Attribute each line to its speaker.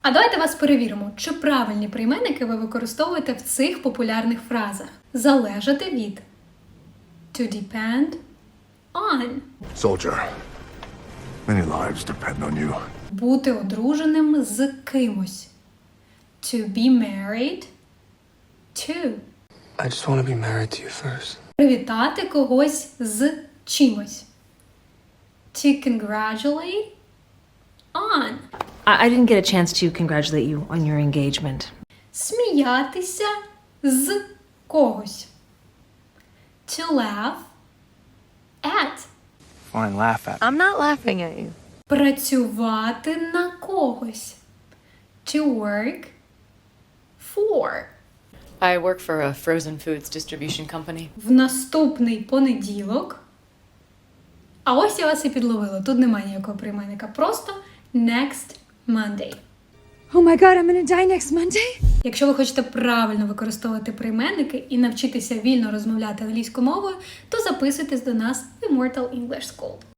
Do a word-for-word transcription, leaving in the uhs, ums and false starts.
Speaker 1: А давайте вас перевіримо, чи правильні прийменники ви використовуєте в цих популярних фразах. Залежати від. To depend on.
Speaker 2: Soldier, many lives depend on you.
Speaker 1: Бути одруженим з кимось. To be married to.
Speaker 3: I just want to be married to you first.
Speaker 1: Привітати когось з чимось. To congratulate on.
Speaker 4: I, I didn't get a chance to congratulate you on your engagement.
Speaker 1: Сміятися з когось. To laugh at.
Speaker 3: Fine, laugh at.
Speaker 5: I'm not laughing at you.
Speaker 1: Працювати на когось. To work for.
Speaker 5: I work for a frozen foods distribution company.
Speaker 1: В наступний понеділок. А ось я вас і підловила. Тут немає ніякого прийменника. Просто next Monday.
Speaker 6: Oh my god, I'm gonna die next Monday?
Speaker 1: Якщо ви хочете правильно використовувати прийменники і навчитися вільно розмовляти англійською мовою, то записуйтесь до нас в Immortal English School.